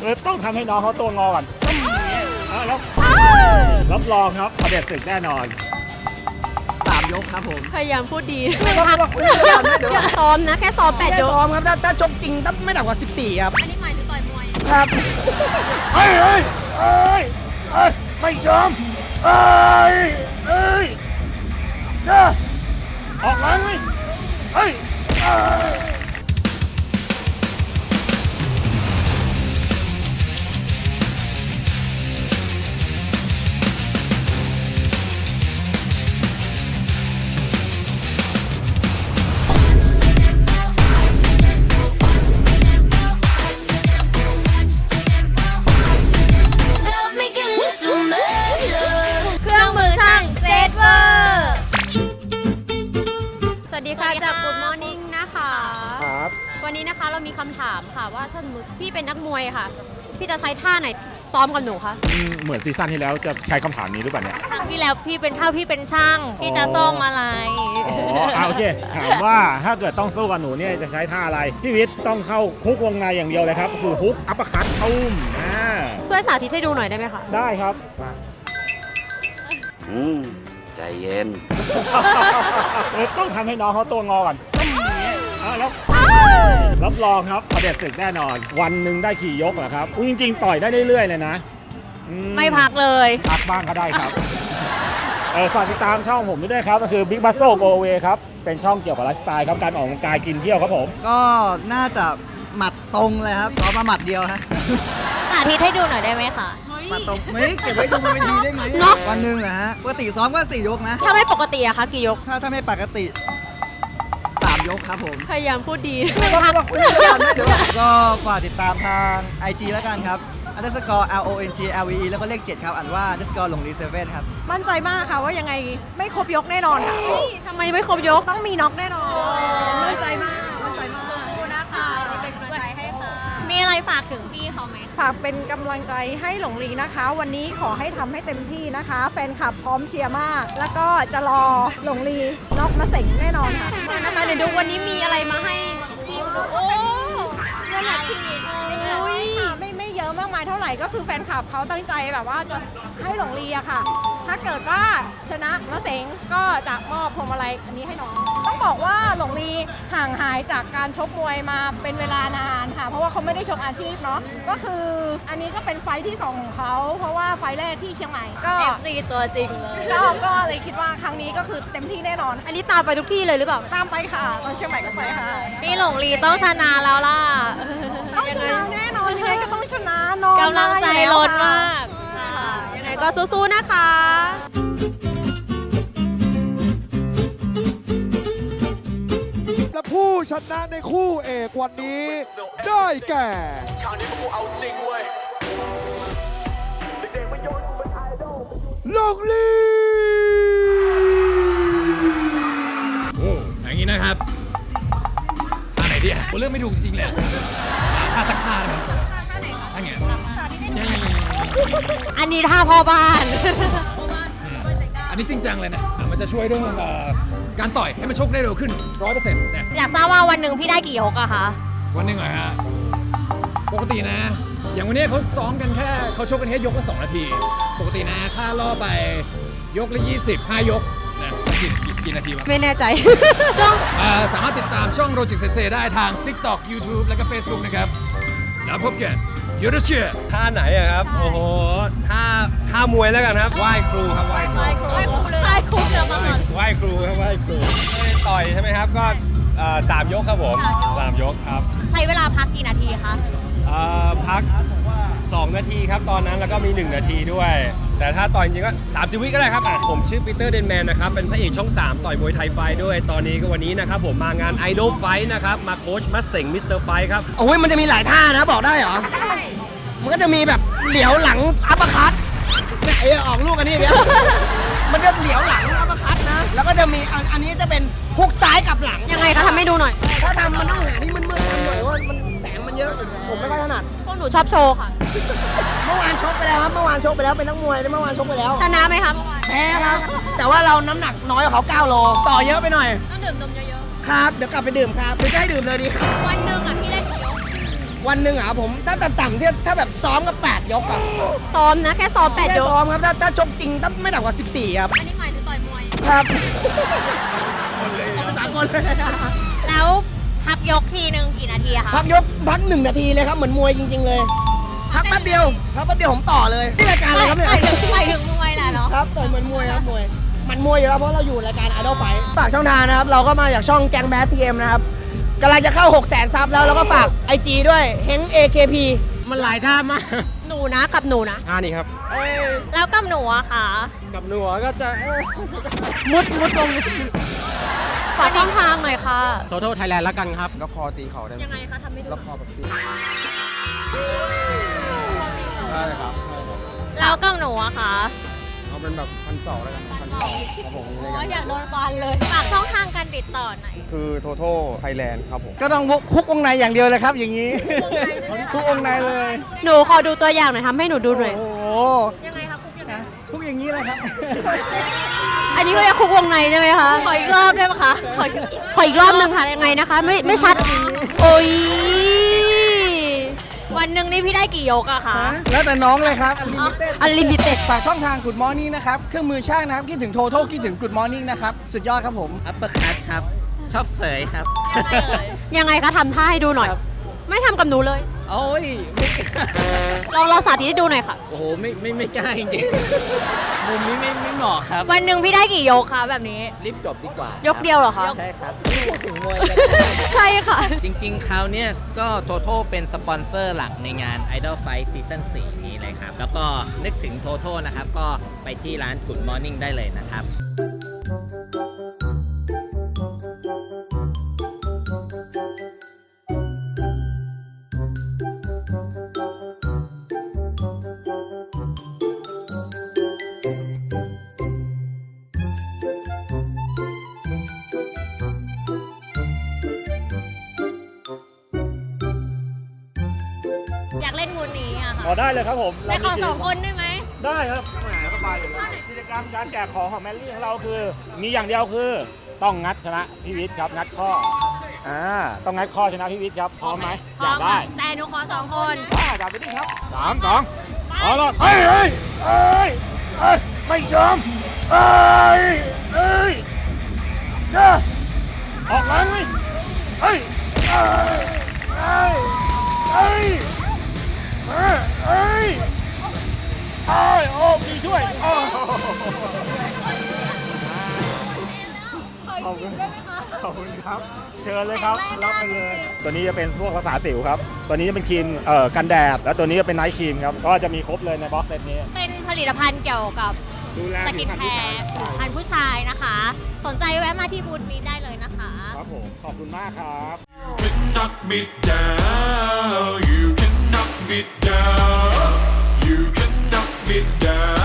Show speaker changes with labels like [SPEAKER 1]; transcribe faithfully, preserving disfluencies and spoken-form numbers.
[SPEAKER 1] ต้องทำให้น้องเขาตัวงอก่อนแล้วรับรองครับเผด็จศึกแน่นอน
[SPEAKER 2] สามยกครับผม
[SPEAKER 3] พยายามพูดดี
[SPEAKER 2] ซ้อมนะแค่ซ้อมแปดยกซ้อมครับถ้าถ้าชกจริงต้องไม่ต่ำกว่าสิบสี่ครับ
[SPEAKER 3] อันนี้หมายถึงต่อยมวย
[SPEAKER 2] ครับ
[SPEAKER 1] เฮ้ยเฮ้ยเฮ้ยเฮ้ยไม่ยอมเฮ้ยเฮ้ยเด้อออกแรงไหมเฮ้ย
[SPEAKER 3] จาก Good Morning นะคะ
[SPEAKER 1] ครับ
[SPEAKER 3] วันนี้นะคะเรามีคำถามค่ะว่าถ้าสมมติพี่เป็นนักมวยค่ะพี่จะใช้ท่าไหนซ้อมกับหนูคะ
[SPEAKER 1] เหมือนซีซั่นที่แล้วจะใช้คำถามนี้หรือเปล่าเนี่ย
[SPEAKER 4] ครั้งที่แล้วพี่เป็นเท่าพี่เป็นช่างพี่จะซ่อมอะไร
[SPEAKER 1] อ๋อโอเคถามว่าถ้าเกิดต้องสู้กับหนูเนี่ยจะใช้ท่าอะไรพี่วิทย์ต้องเข้าคุกวงในอย่างเดียวเลยครับคือฮุกอัปเปอร์คัตตุ้ม
[SPEAKER 3] เพื่อสาธิตให้ดูหน่อยได้ไหมคะ
[SPEAKER 1] ได้ครับ
[SPEAKER 5] อืมใจเย็น
[SPEAKER 1] ต้องทำให้น้องเขาตัวงอก่อนแล้วรับรองครับเผด็จศึกแน่นอนวันหนึ่งได้ขี่ยกเหรอครับจริงๆต่อยได้เรื่อยๆเลยนะ
[SPEAKER 4] ไม่พักเลย
[SPEAKER 1] พักบ้างก็ได้ครับฝากติดตามช่องผมด้วยครับก็คือ Big Muscle Go Away ครับเป็นช่องเกี่ยวกับไลฟ์สไตล์ครับการออกกำลังกายกินเที่ยวครับผม
[SPEAKER 2] ก็น่าจะหมัดตรงเลยครับเอามาหมัดเดียวฮะ
[SPEAKER 4] สาธิตให้ดูหน่อยได้ไหมคะ
[SPEAKER 2] หมัดตรงไม่เก็บไว้ดูบนเวทีได้ไหมวันหนึ่งนะฮะปกติซ้อมก็สี่ยกนะ
[SPEAKER 3] ถ้าไม่ปกติอะคะกี่ยก
[SPEAKER 2] ถ้าถ้าไม่ปกติสามยกครับผม
[SPEAKER 3] พยายามพูดดี
[SPEAKER 2] ก็ก็คุยกันเดี๋ยวก็ฝากติดตามทาง ไอ จี แล้วกันครับ underscore l o n g l v e แล้วก็เลขเจ็ดครับอ่านว่า underscore หลงลีเซเว่นครับ
[SPEAKER 6] มั่นใจมากค่ะว่ายังไงไม่ครบยกแน่นอนค่ะ
[SPEAKER 3] ทำไมไม่ครบยก
[SPEAKER 6] ต้องมีน็อกแน่นอนมั่นใจมากมั่นใจมาก
[SPEAKER 3] ขอบคุณนะคะเป็นกำลังใจให้ค่ะ
[SPEAKER 4] มีอะไรฝากถึงพี่เขาไหม
[SPEAKER 6] ฝากเป็นกำลังใจให้หลงลีนะคะวันนี้ขอให้ทำให้เต็มที่นะคะแฟนคลับพร้อมเชียร์มากแล้วก็จะรอหลงลีน็อกมาเสงแน่นอนค่ะ
[SPEAKER 3] นะคะเดี๋ยวดูวันนี้มีอะไรมาให้พี่โอ้เงินอัดฉีด
[SPEAKER 6] ไม่ไม่เยอะมากมายเท่าไหร่ก็คือแฟนคลับเขาตั้งใจแบบว่าจะให้หลงลีอะค่ะถ้าเกิดว่าชนะมะเสงก็จะมอบพวงมาลัยอันนี้ให้น้องต้องบอกว่าหลงลีห่างหายจากการชกมวยมาเป็นเวลานานค่ะเพราะว่าเขาไม่ได้ชกอาชีพเนาะก็คืออันนี้ก็เป็นไฟที่สองของเขาเพราะว่าไฟแรกที่เชียงใหม่ก็
[SPEAKER 4] เอฟ ซี ตัวจริงเลย
[SPEAKER 6] ก็ก็เลยคิดว่าครั้งนี้ก็คือเต็มที่แน่นอน
[SPEAKER 3] อันนี้ตามไปทุกที่เลยหรือเปล่า
[SPEAKER 6] ตามไปค่ะตอนเชียงใหม่ก็ไปค่ะ
[SPEAKER 4] พี่หลงลีต้องชนะแล้วล่ะ
[SPEAKER 6] ต้องชนะแน่นอนยังไงก็ต้องชนะนอน
[SPEAKER 4] กำลังใจล้นมาก
[SPEAKER 3] ยังไงก็สู้ๆนะคะ
[SPEAKER 7] และผู้ชนะในคู่เอกวันนี้ได้แก่หลงลี
[SPEAKER 8] โอ้อย่างนี้นะครับท่าไหนดีผมเลือกไม่ถูกจริงๆเลยท่าสักท่าเลยท่าไง
[SPEAKER 4] อันนี้ท่าพ่อบ้าน
[SPEAKER 8] อันนี้จริงจังเลยนะมันจะช่วยเรื่องการต่อยให้มันชกได้เร็วขึ้น ร้อยเปอร์เซ็นต์ เนี่ย
[SPEAKER 4] อยากทราบว่าวันหนึ่งพี่ได้กี่ยกอะคะ
[SPEAKER 8] วันหนึ่งเหรอฮะปกตินะอย่างวันนี้เขาซ้อมกันแค่เขาชกกันแค่ยกละสองนาทีปกตินะถ้าล่อไปยกละยี่สิบ ห้ายกนะกี่กี่นาทีวะ
[SPEAKER 3] ไม่แน่ใจ
[SPEAKER 8] ช่องสามารถติดตามช่องโรจิเซเซได้ทาง TikTok YouTube และก็ Facebook นะครับแล้วพบกันยูร์เชีย
[SPEAKER 9] ท่าไหนอะครับโอ้โหท่าท่ามวยแล้วกันครับไหว้ครูครับไหว้ครู
[SPEAKER 4] ไหว้ครูเลยไหว้ครูเดี๋ยวมาก่อน
[SPEAKER 9] ไหว้ครูครับไหว้ครูต่อยใช่ไหมครับก็สามยกครับผมสามยกครับ
[SPEAKER 4] ใช้เวลาพักกี่นาทีคะ
[SPEAKER 9] พักสองนาทีครับตอนนั้นแล้วก็มีหนึ่งนาทีด้วยแต่ถ้าต่อยจริงก็สามสิบวิก็ได้ครับอ่ะผมชื่อปีเตอร์เดนแมนนะครับเป็นพระเอกช่องสามต่อยมวยไทยไฟด้วยตอนนี้ก็วันนี้นะครับผมมางานไอดอลไฟนะครับมาโค้ชมัสเส็งมิสเตอร์ไฟครับ
[SPEAKER 2] โอ้ยมันจะมีหลายท่านะบอกได้เหรอได้มันก็จะมีแบบเหลียวหลังอัปเปอร์คัตเนี่ยไอ้ออกลูกอันนี้เนี่ยมันจะเหลียวหลังอัปเปอร์คัตนะแล้วก็จะมีอันนี้จะเป็นฮุกซ้ายกับหลัง
[SPEAKER 3] ยังไงคะทำให้ดูหน่อย
[SPEAKER 2] ถ้าทำมันต้องหาที่มืดๆทำหน่อยว่ามันแสงมันเยอะผมไม่ค่อยถนัด
[SPEAKER 3] พวกหนูชอบโชว์ค่ะ
[SPEAKER 2] เมื่อวานชกไปแล้วครับเมื่อวานชกไปแล้วเป็นนักมวยเมื่อวานชกไปแล้ว
[SPEAKER 3] ชนะไหมคะเมื่อวาน
[SPEAKER 2] แพ้ครับแต่ว่าเราน้ำหนักน้อยกว่าเขาเก้าโลต่อเยอะไปหน่อย
[SPEAKER 3] ต้องดื่มนมเยอะ
[SPEAKER 2] ๆครับเดี๋ยวกลับไปดื่มครับเดี๋ยวจะให้ดื่มเลยดีครับ
[SPEAKER 3] วันหนึ่งอ่ะพี่ได้กี่ยก
[SPEAKER 2] วันหนึ่งอ่ะผมถ้าต่ำๆที่ถ้าแบบซ้อมก็แปดยกอ่ะ
[SPEAKER 3] ซ้อมนะ แค่ซ้อมแปด
[SPEAKER 2] แค่
[SPEAKER 3] ยก
[SPEAKER 2] ซ้อมครับถ้าถ้าชกจริงต้องไม่ต่ำกว่าสิบสี่ครับ
[SPEAKER 3] อันนี้หมายถึงต่อยมวย
[SPEAKER 2] ครับเอาภาษากลเลย
[SPEAKER 4] แล้วพักยกทีหนึ่งกี่นาทีอะคะ
[SPEAKER 2] พักยกพักหนึ่งนาทีเลยครับเหมือนมวยจริง ๆ เลย พักแป๊บเดียวพักแป๊บเดียวผมต่อเลยนี่รายการอะไรครับเนี่ย
[SPEAKER 4] หมายถึงหมายถึงมวยแหละเนาะ
[SPEAKER 2] ครับต่อยเหมือนมวยครับมวยมันมวยอยู่แล้วเพราะเราอยู่รายการ Idol Fight ฝากช่องทางนะครับเราก็มาจากช่องแกงแบททีเอ็มนะครับกำลังจะเข้า หกแสนซับแล้วแล้วก็ฝาก ไอ จี ด้วยเฮง เอ เค พี
[SPEAKER 8] มันหลายท่ามาก
[SPEAKER 3] หนูนะกับหนูนะ
[SPEAKER 8] อ่านี่ครับ
[SPEAKER 4] แล้วกับหนูอะค่ะ
[SPEAKER 8] กับหนูก็จะ
[SPEAKER 3] มุดมุดลงฝากช่องทางหน่อยค่ะ
[SPEAKER 8] โทโทไทยแลนด์แล้วกันครับ
[SPEAKER 7] แล้วคอตีเข่าได้ไหม
[SPEAKER 3] ยังไงคะทำไม่
[SPEAKER 7] แล้วคอแบบตีใช่ครับ
[SPEAKER 4] แล้วกับหนูอะค่ะ
[SPEAKER 7] เอาเป็นแบบพันสองแล้วกันพันสองครับผม
[SPEAKER 4] โอ้ยอยากโดนฟันเลย ฝากช่องทางการติดต่อหน่อย
[SPEAKER 7] คือโทโทไทยแลนด์ครับผม
[SPEAKER 2] ก็ต้องคุกวงในอย่างเดียวเลยครับอย่างนี้คุกวงในเลย
[SPEAKER 3] หนูขอดูตัวอย่างหน่อยทำให้หนูดูหน่อย
[SPEAKER 2] โอ้โห
[SPEAKER 3] ยังไงคะคุกยังไง
[SPEAKER 2] คุกอย่างนี้เลยครับ
[SPEAKER 3] อันนี้ก็จะคุกวงในใช่ไหมคะ
[SPEAKER 4] ขออีกรอบได้ไหมคะ ขออีก
[SPEAKER 3] ขออีกรอบหนึ่งค่ะยังไงนะคะ ไม่ไม่ชัด โอ้ย
[SPEAKER 4] วันหนึ่งนี่พี่ได้กี่ยกอะคะ
[SPEAKER 2] แล้วแต่น้องเลยครับ Unlimited
[SPEAKER 3] อันลิมิเต็ด
[SPEAKER 2] ฝากช่องทาง Good Morning นะครับ เครื่องมือช่างนะครับ คิดถึงโทโทคิดถึง Good Morning นะครับ สุดยอดครับผม
[SPEAKER 10] อัปเปอร์คัตครับ ชอบเสยครับ
[SPEAKER 4] ยังไงเอ่ย
[SPEAKER 3] ยังไงคะทำท่าให้ดูหน่อย ไม่ทำกับหนูเลย
[SPEAKER 10] โอ้ยไม่
[SPEAKER 3] ลองลองสาธิตให้ดูหน่อยค่ะ
[SPEAKER 10] โอ้โห ไม่ไม่ไม่กล้าจริงๆ มุมนี้ไม่ไม่เหมาะครับ
[SPEAKER 4] วันหนึ่งพี่ได้กี่ยกคะแบบนี้
[SPEAKER 10] รีบจบดีกว่าย
[SPEAKER 3] กเดียวเหรอคะ
[SPEAKER 10] ใช่ครับไม่พูดถึงมวยกัน
[SPEAKER 3] ใช่ค่ะ
[SPEAKER 10] จริงๆ คราวเนี้ยก็โทโทเป็นสปอนเซอร์หลักในงาน Idol Fight Season สี่นี้เลยครับ แล้วก็นึกถึงโทโทนะครับ ก็ไปที่ร้าน Good Morning ได้เลยนะครับ
[SPEAKER 4] อยากเล่นงูนี้อะค่ะ
[SPEAKER 1] ขอได้เลยครับผม
[SPEAKER 4] ไปขอสองคนได้ไหม
[SPEAKER 1] ได้ครับแหมสบายอยู่แล้วกิจกรรมการแจกของของแมรี่ของเราคือ มีอย่างเดียวคือต้องงัดชนะพี่วิทย์ครับงัดข้ออ่าต้องงัดข้อชนะพี่วิทย์ครับพร้อมไหม
[SPEAKER 4] พ
[SPEAKER 1] อ
[SPEAKER 4] ร้อย
[SPEAKER 1] าม ก
[SPEAKER 4] ค่ะ
[SPEAKER 1] ได้
[SPEAKER 4] แต่หนูขอสองคน
[SPEAKER 1] ได้จับไปดิครับสามสองเอาละเฮ้ยเฮ้ยเฮ้ยเฮ้ยไม่ยอมเฮ้ยเฮ้ยเจ้าออกแรงไหมเฮ้ยเฮ้ยเฮ้ยเฮ้ยเฮ้ยเฮ้ยเฮ้ยโอ้พี่ช่วยโอ้ขอบคุณขอบคุณครับ เชิญเลยครับ รับไปเลย ตัวนี้จะเป็นพวกรักษาสิวครับ ตัวนี้จะเป็นครีมเอ่อกันแดด แล้วตัวนี้จะเป็นไนท์ครีมครับ ก็จะมีครบเลยในบ็อกเซตนี้
[SPEAKER 4] เป็นผลิตภัณฑ์เกี่ยวกับ
[SPEAKER 1] ดูแล
[SPEAKER 4] ส
[SPEAKER 1] ผิ
[SPEAKER 4] กิ
[SPEAKER 1] วน พรรณ
[SPEAKER 4] แค
[SPEAKER 1] ผู้ชาย
[SPEAKER 4] ร์ผิวพรรณผู้ชายนะคะ สนใจแวะมาที่บูธนี้ได้เลยนะคะ
[SPEAKER 1] ครับผม ขอบคุณมากครับ
[SPEAKER 11] can knock me down. You can knock me down. You can knock me down.